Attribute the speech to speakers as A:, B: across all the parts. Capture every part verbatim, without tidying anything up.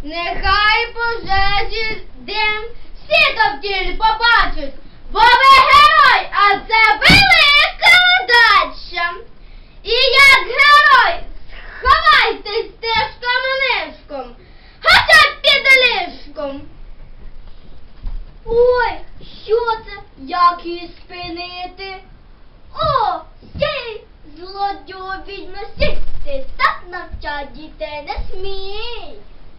A: нехай пожежі дим всі довкіль побачать, бо ви герой, а це велика удача. І як герой сховайтесь стежком нишком, хоча б під ліжком. Ой, що це? Як її спинити? О, стій, злодю відьмо, стій, ти так навчать дітей не смій.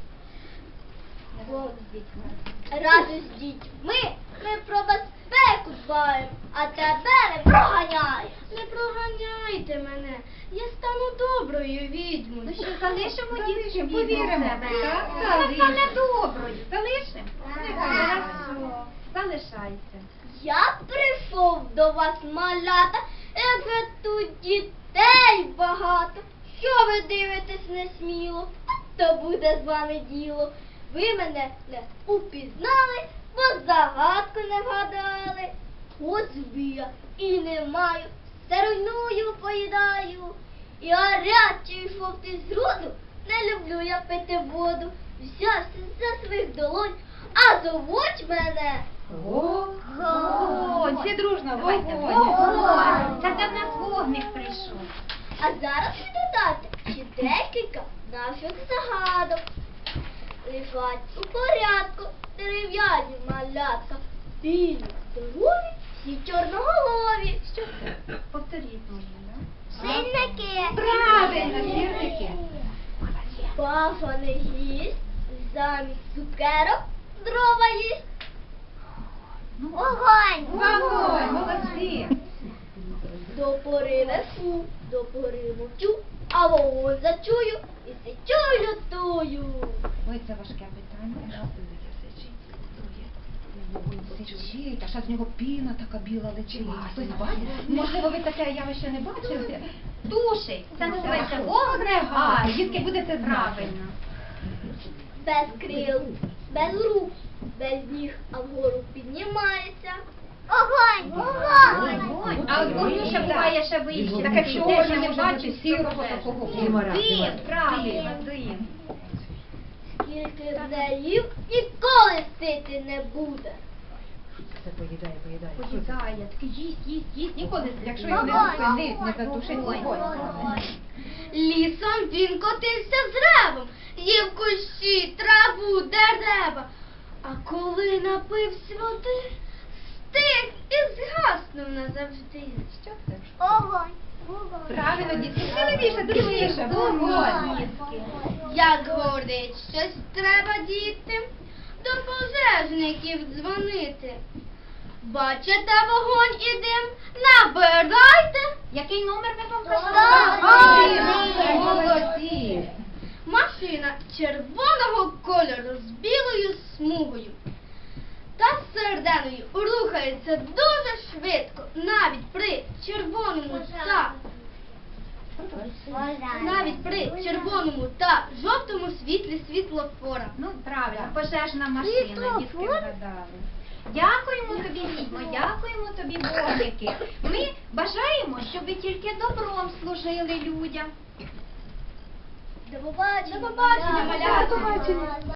A: Разом з дітьми ми про безпеку дбаємо, а тебе не проганяємо. Не проганяйте мене, я стану доброю відьмою.
B: Ну що, залишимо дітки,
C: Повіримо,
B: повіримо в тебе, так? Вона
C: залишимо.
B: стане доброю. Залишимо?
A: Ага.
B: Хорошо. Залишайся.
A: Я прийшов до вас, малята, як ви тут дітей багато. Що ви дивитесь несміло, то буде з вами діло. Ви мене не упізнали, бо загадку не вгадали. От збія і не маю, все руйную, поїдаю. І гарячий жовтий з роду, не люблю я пити воду. Взявся за своїх долонь, а зовуть мене
B: Вогонь. Всі дружно давайте.
A: Вогонь.
B: Вогонь. Це де в нас вогник прийшов.
A: А зараз ви додайте ще декілька наших загадок. Лежать у порядку дерев'яні малятка, білі, здорові, всі чорноголові.
B: Що це? Повторіть можна, так?
A: Синники.
B: Правильно, сірники.
A: Паша не їсть, замість цукерок дрова їсть. Вогонь!
B: Вогонь, молодці.
A: До пори несу, до пори мовчу, а вогонь зачую і сичу лютую.
B: Ой, це важке питання. Сичить, а ще з нього піна така біла летить. Хтось бачить? Можливо, ви таке явище не бачили? Тушить. Це називається вогнегас. Дітки, будете правильно.
A: Без крил, без рук, без ніг, а вгору піднімається. Огонь!
B: Вогонь. А от вогню ще буває ще вище. Так як чого ж не бачить сірого такого. Дим, правильно, дим.
A: Скільки здаїв, ніколи сити не буде.
C: Це поїдає, поїдає.
B: Поїдає, таки їсть, їсть, їсть, ніколи. Якщо його не
A: Вогонь.
B: зупинить, не задушить вогонь.
A: Лісом він котився з ревом, їв кущі, траву, дерева. А коли напився води, стих і згаснув назавжди.
B: Що це?
A: Огонь!
B: Правильно, дітки, сміливіше, дружніше. Вогонь.
A: Як горить, щось треба діти, до пожежників дзвонити. Бачите вогонь і дим, набирайте.
B: Який номер ви вам
A: Так.
B: казали? Молодці.
A: Машина червоного кольору з білою смугою та серединою рухається дуже швидко, навіть при червоному та навіть при червоному та жовтому світлі світлофора.
B: Ну, правильно, пожежна машина, дітки вгадали. Дякуємо тобі, відьмо, дякуємо тобі, вогники. Ми бажаємо, щоб ви тільки добром служили людям.
A: До побачення,
B: До побачення, малята.
A: До побачення.